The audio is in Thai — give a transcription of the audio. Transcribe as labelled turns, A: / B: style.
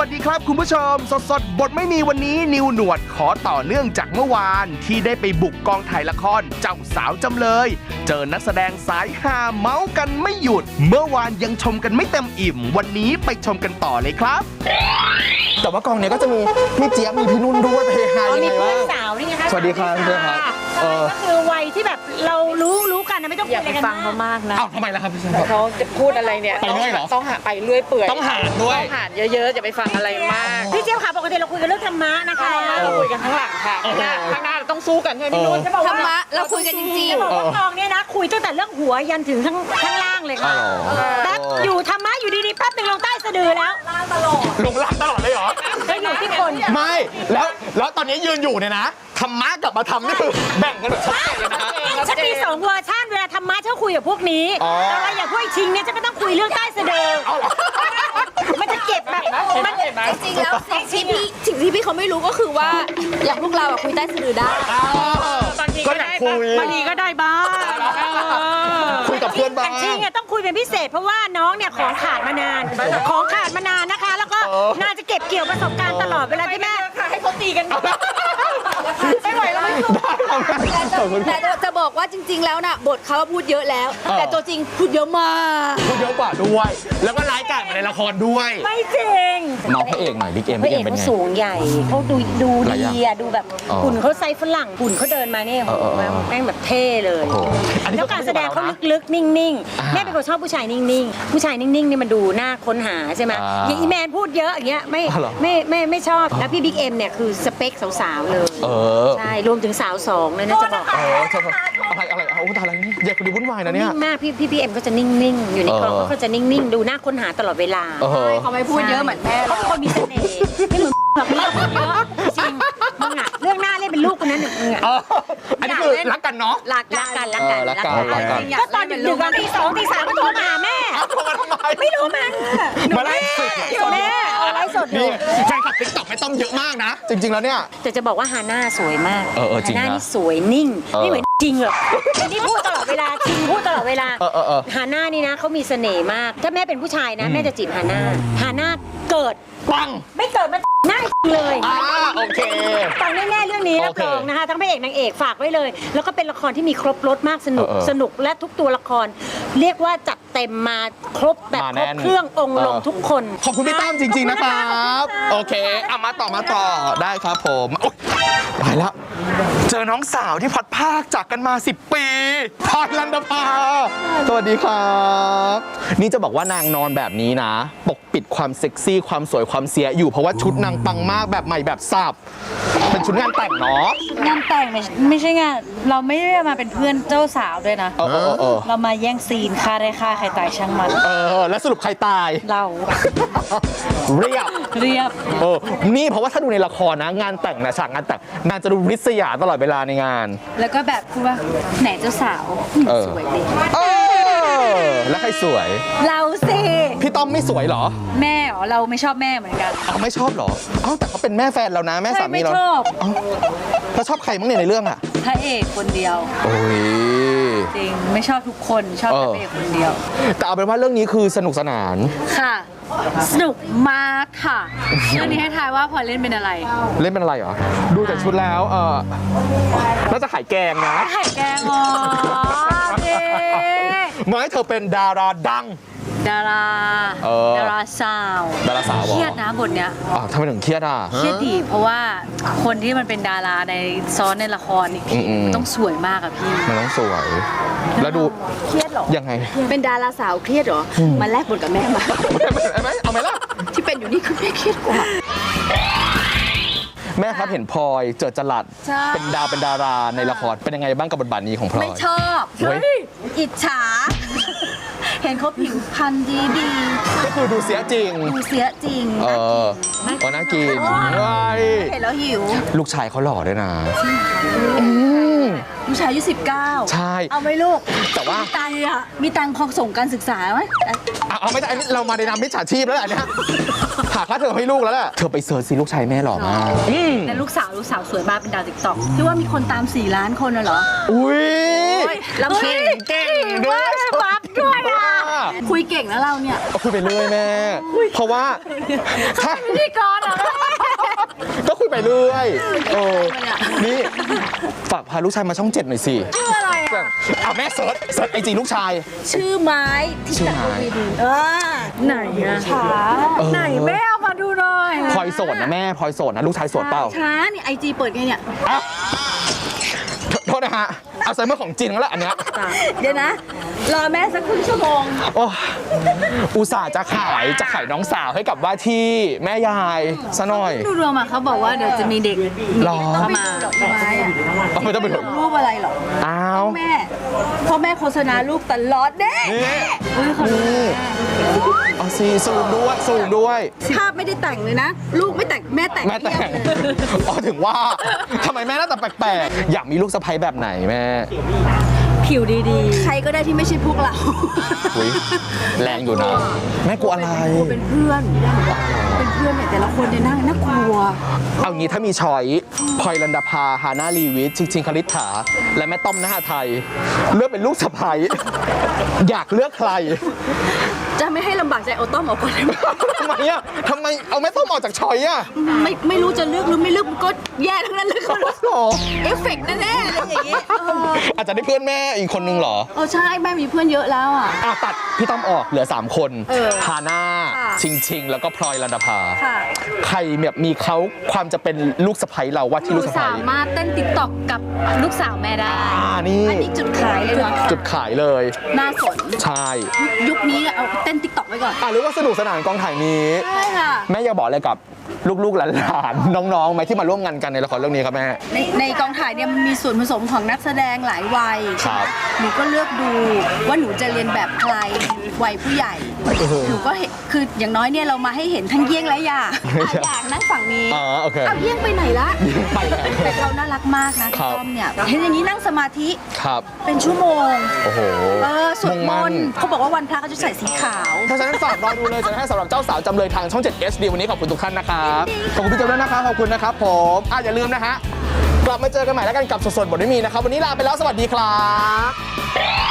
A: วัสดีครับคุณผู้ชมสดบทไม่มีวันนี้นิวหนวดขอต่อเนื่องจากเมื่อวานที่ได้ไปบุกกองถ่ายละครเจ้าสาวจำเลยเจอนักแสดงสายฮาเมาส์กันไม่หยุดเมื่อวานยังชมกันไม่เต็มอิ่มวันนี้ไปชมกันต่อเลยครับแต่ว่ากองเนี้ยก็จะมีพี่เจี๊ยบมีพี่นุ่นด้วยเพฮายังไงวะ
B: มีเพื่อนสาวนี่ไงคะ
A: สวัสดีครับเพื่อนครับ
B: ก็คือวัยที่แบบเรารู้กันนะไม่ต้อง
C: อย่าไปฟังเขามากนะ
A: อ้าวทำไมล่ะครับพี่เจี๊ยบ
C: เขาจะพูดอะไรเนี่ย
A: ไปเรื่อยเหรอ
C: ต้องหาไปเรื่อยเปื่อย
A: ต้องหาด้วย
C: ต้องหาเยอะๆอย่าไปฟังอะไรมาก
B: พี่เจี๊ยบค่ะปกติเราคุยกันเรื่องธรรมะนะคะ
C: เราคุยกันข้างหลังค่ะข้างหน้าเราต้องสู้กันใช่ไหมพี่นุ่น
B: จะบอกว่า
D: ธรรมะเราคุยกันจริง
B: จะบอกว่ากองเนี่ยนะคุยตั้งแต่เรื่องหัวยันถึงข้างล่างเลยค่ะแป๊บอยู่ธรรมะอยู่ดีๆแป๊บหนึ่งลงใต้สะดือแล้ว
A: ลงล่างตลอดเลยเหรอ
B: แล้วอยู่ที่คน
A: ไม่แล้วตอนนี้ยืนอยู่เนี่ยนะธรรมะกับมาทำนี่คือแบ่งกันแบบชัดเจนเลยนะฮะ
B: ฉันมี2เวอร์ชันเวลาธรรมะฉันคุยกับพวกนี้
A: อ๋อ
B: แต่ว่าอย่างพวกไอ้ชิงเนี่ยฉันก็ต้องคุยเรื่องใต้สะดือมันจะเก็บแบบมัน
D: ๆ จริงๆแล้วสิ่งที่พี่เขาไม่รู้ก็คือว่าอย่างพวกเราอะคุยใต้สะดือได้
A: ก็อยากคุย
C: บางทีก็ได้บ้าง
A: คุยกับเพื่อนบ้าง
B: จริงๆต้องคุยเป็นพิเศษเพราะว่าน้องเนี่ยของขาดมานานนะคะ แล้วก็น่าจะเก็บเกี่ยวประสบการณ์ตลอดเวลาที่แม่
C: ให้เขาตีกันไม่ไหวแล้วไม่สู้
D: แต่จะบอกว่าจริง ๆ แล้วน่ะบทเขาพูดเยอะแล้ว แต่ตัวจริงพูดเยอะมาก
A: พูดเยอะกว่าด้วย แล้วก็ร้ายกาจมาในละครด้วย
B: ไม่จริง
A: น้องพระเอกหน่อยบิ๊กเอ็ม
B: พระเอก
A: เป็น
B: เขา
A: ไง
B: สูงใหญ่เขาดู
A: หลายอย่าง
B: ดีอะดูแบบ
A: อ๋อ
B: หุ่นเขาไซส์ฝรั่งหุ่นเขาเดินมาเนี่ย แม่งแบบเท่เลย
A: โอ้โหอันนี้
B: แล้วการแสดงเขา
A: ก็
B: ลึกๆ นิ่ง
A: อ่า
B: ๆแม่เป็นคนชอบผู้ชายนิ่งๆผู้ชายนิ่งๆนี่มันดูน่าค้นหาใช่ไหม
A: อ่า
B: อย่างอีแมนพูดเยอะอย่างเงี้ยไม่
A: อ๋อเหรอ
B: ไม่ชอบแล้วพี่บิ๊กเอ็มเนี่ยคือสเปคสาวๆเลย
A: เออ
B: ใช่รวมถึงสาว2เลยนะจะบอก
A: ใช่อะไรเอาตายแล้วนี่อย่าคนดีวุ่นวายนะเนี่ย
B: นิ่งมากพี่เอ็มก็จะนิ่งๆ อยู่ในกองเขาก็จะนิ่งๆ ดูน่าค้นหาตลอดเวลา
D: เขาไม่พูดเยอะเหมือนแม่
B: เขาเป็นคนมีเสน่ห์ไม่เหมือนแบบเรื่องเยอะจริงมึงอะเรื่องหน้าเล่นเป็นลูกคนนั้นหนึ่งมึงอะ
A: อันนี้คือรักกันเนาะ
D: รัก
B: รักกัน
A: รักกัน
B: ก็ตอนดึกๆตี 2 ตี 3ก็โทรมาหาแม่
A: โทรมาทำไม
B: ไม่รู้มัน
A: มาไล่สด
B: แม่เอาไลฟ์สดอยู่
A: นี่แฟนคลับติ๊กต็อกไม่ต้องเยอะมากนะ จริง ๆ แล้วเนี่ย
B: แต่จะบอกว่าฮาน่าสวยมาก
A: จริง
B: ฮา
A: นะ
B: น่านี่สวยนิ่งไม่เหมือนจริงหรอกอันนี้พูดตลอดเวลาจริงพูดตลอดเวลา ฮาน่านี่นะเขามีเสน่ห์มาก ถ้าแม่เป็นผู้ชายนะแม่จะจีบฮาน่าเกิด
A: ปัง
B: ไม่เกิดมาหน้าเลย
A: โอเค
B: ฟังแน่ๆเรื่องนี้รับรองนะคะทั้งพระเอกนางเอกฝากไว้เลย แล้วก็เป็นละครที่มีครบรสมากสนุกและทุกตัวละคร เรียกว่าจัดเต็มมาครบแบบครบเครื่ององค์ลงทุกคน
A: ขอบคุณพี่ตั้มจริง ๆ นะครับ โอเคเอามาต่อได้ครับผมโอ๊ยตายแล้ว เจอน้องสาวที่พัดภาคจากกันมา 10 ปีพรลันดภาสวัสดีครับ นี่จะบอกว่านางนอนแบบนี้นะ ปกปิดความเซ็กซี่ความสวยความเสียอยู่เพราะว่าชุดนางปังมากแบบใหม่แบบสับเป็นชุดงานแต่งเนาะ
E: งานแต่งไม่ใช่งานเราไม่ได้มาเป็นเพื่อนเจ้าสาวด้วยนะ เรามาแย่งซีนฆ่าได้ฆ่าใครตายช่างมัน
A: แล้วสรุปใครตาย
E: เรา
A: เรียบ นี่เพราะว่าถ้าดูในละครนะ งานแต่งนะฉากงานแต่งนางจะดูริษยาตลอดเวลาในงาน
E: แล้วก็แบบพูดว่าไหนเจ้าสาวสวยเลย
A: แล้วใครสวย
E: เราสิ
A: พี่ต้อมไม่สวยเหรอ
E: แม่เหรอเราไม่ชอบแม่เหมือนกัน
A: อ้าวไม่ชอบเหรออ้าวแต่เขาเป็นแม่แฟนเรานะ แม่สามีเรา
E: ไม่ชอบ
A: อ้าวแล้วชอบใครบ้างเนี่ยในเรื่องอ่ะ
E: พระเอกคนเดียว
A: โอ้ย
E: จริงไม่ชอบทุกคนชอบแต่พระเอกคนเดียว
A: แต่เอาเป็นว่าเรื่องนี้คือสนุกสนาน
E: ค่ะ สนุกมากค่ะเรื่องนี้ให้ทายว่าพลอยเล่นเป็นอะไร
A: เล่นเป็นอะไรเหรอ ดูจากชุดแล้วน่าจะขายแกงนะ
E: ไข่แกงอ๋อเจ๊
A: ไม่เธอเป็นดาราดัง
E: ดารา ดาราสาว
A: ดาราสาวเหรอ
E: เครียดนะบทเนี้ย
A: ทำไมถึงเครียดอ่ะ
E: เครียดดีเพราะว่าคนที่มันเป็นดาราในซ้อนในละครนี่ ต้องสวยมากอะพี่
A: มันต้องสวย แล้วดู
D: เครียดเหรอ
A: ยังไง
D: เป็นดาราสาวเครียดเหรอ มาแลกบทกับแม่มา
A: เอาไหมล่ะ
D: ที่เป็นอยู่นี่คือแม่เครียดกว่า
A: แม่ครับเห็นพลอยเจอจรัส
D: ใช่
A: เป็นดาราในละครเป็นยังไงบ้างกับบทบาทนี้ของพลอย
D: ไม่ชอบ
A: เฮ้ย
D: อิจฉา เห็นเขาผิวพรรณดี
A: ก็คือดูเสียจริง
D: ดูเสียจริง
A: น่ากินว้าย
D: เห็นแล้วหิว
A: ลูกชายเขาหล่อด้วยนะ
D: ลูกชายอายุ19
A: ใช่
D: เอาไหมลูก
A: แต่ว่า
D: มีตังค์พอส่งการศึกษาไหม
A: เอาไม่ได้อันนี้เรามาในนามมิจฉาชีพแล้วแหละเนี่ยหาค่าเทอมให้ลูกแล้วแหละเธอไปเสิร์ชสิลูกชายแม่หล่อมาก
E: แต่ลูกสาวสวยมากเป็นดาวติ๊กต็อกที่ว่ามีคนตาม4 ล้านคนน่ะเหรอ
A: อุ้ย
D: ลำเก่ง
A: เก่งด้วย
B: ปั๊บด้วยอ่ะ
D: คุยเก่งนะเราเนี่ย
A: ก็คุยไปเรื่อยแม่ เพราะว่าถ้า
D: พิธีกรเหรอ
A: ก็คุยไปเรื่อยนี่ฝากพาลูกชายมาช่อง 7 หน่อยสิ
D: ชื่ออะไรอ่ะ
A: เอาแม่เสิร์ชไอจีลูกชาย
D: ชื่อไม้ที่
A: ชื่อ
D: ตัด
A: ไม้
D: ไหนอะช้า
E: ไหนแม่เอามาดูหน่อย
A: พลอยโสดนะแม่พลอยโสดนะลูกชายโสดเปล่า
D: ช้านี่ไอจีเปิดไงเนี่ย
A: อ่ะโทษนะฮะเอาไซเมอร์ของจริงแล้วแหละอันเนี้ย
D: เดี๋ยวนะ รอแม่สักครึ่งชั่วโมง
A: โอ้อุตส่าห์จะขายน้องสาวให้กับว่าที่แม่ยายซะหน่อย
D: ดูรวมอะเขาบอกว่าเดี๋ยวจะมีเด็ก
A: หรอ
D: เข้ามาไม้อะ
A: เอาไม่ต้องไปดู
D: รูปอะไรหรอ
A: อ้าว
D: แม่พ่อแม่โฆษณารูปตลอดเด้
A: นี่เอาสิสูงด้วย
D: ภาพไม่ได้แต่งเลยนะ ลูกไม่แต่งแม่แต่ง
A: แม่แต่ง
D: เพียบเลย
A: อ๋อถึงว่าทำไมแม่หน้าตาแปลกๆ อยากมีลูกสะใภ้แบบไหนแม่
E: ผิวดี
D: ใครก็ได้ที่ไม่ใช่พวกเรา
A: อุ๊ยแรงอยู่นะ แม่กลัวอะไร
D: เป็นเพื่อนเป็นเพื่อนเนี่ยแต่ละคนเนี่ยน่ากลัว
A: เอางี้ถ้ามีช้อยพลอยลันดาภาฮาน่าลีวิทชิงคลิษฐาและแม่ต้อมนหาไทย เลือกเป็นลูกสะใภ้อยากเลือกใคร
D: จะไม่ให้ลำบากใจเอาต้อมออกก่อนได้ไหม
A: ทำไมอ่ะทำไมเอาแม่ต้อมออกจากช้อยอ่ะ
D: ไม่รู้จะเลือกหรือไม่เลือกมันก็แย่ทั้งนั้นเลยคุณ
A: หรอ
D: เอฟเฟกต์แน่ๆอะไรอย่างงี้
A: อาจจะได้เพื่อนแม่อีกคนนึงเหรอ
D: ใช่แม่มีเพื่อนเยอะแล้วอ่ะ
A: ตัดพี่ต้อมออกเหลือ 3 คน ฮาน่า
D: ค่ะ
A: ชิงแล้วก็พลอยลันดาภา
D: ค่ะ
A: ใครแบบมีเขาความจะเป็นลูกสะใภ้เราว่าที่ลูกสะใภ้
D: สามารถเต้นติ๊กต็อกกับลูกสาวแม่ได้
A: นี่
D: อันนี้จุดขายเลยเนาะ
A: จุดขายเลย
D: น่าสน
A: ใช่
D: ยุคนี้เอาเต้นติ๊กต็อกไว้ก่อน
A: หรือว่าสนุกสนานกองถ่ายนี้
D: ใช่ค่ะ
A: แม่อยากบอกอะไรกับลูกๆหลานๆน้องๆไหมที่มาร่วมงานกันในละครเรื่องนี้ครับแม่
D: ในกองถ่ายเนี่ยมันมีส่วนผสมของนักแสดงหลายวัย
A: ครับ
D: หนูก็เลือกดูว่าหนูจะเรียนแบบใครวัยผู้ใหญ่ หนูก็เห็นคืออย่างน้อยเนี่ยเรามาให้เห็นทั้งเยี่ยงและหยางหยางนั่งฝั่งนี้
A: อ๋อโอเค
D: เอาเยี่ยงไปไหนละ
A: ไปแล้ว
D: แต่เขาน่ารักมากนะ
A: ครั
D: พี่
A: บ
D: ต้อมเนี่ยเห็นอย่างนี้นั่งสมาธิ
A: ครับ
D: เป็นชั่วโมง
A: โอ้โห
D: สวดม
A: ง
D: นต์เขาบอกว่าวันพระเขาจะใส่สีขาว
A: เพราะฉะนั้นฝากรอดูเลยจะให้สำหรับเจ้าสาวจำเลยทางช่อง 7 HD วันนี้ขอบคุณทุกท่านนะครับขอบคุณพี่เจ้าด้วยนะครับขอบคุณนะครับผมอย่าลืมนะฮะกลับมาเจอกันใหม่แล้วกันกับสดๆบทไม่มีนะครับวันนี้ลาไปแล้วสวัสดีครับ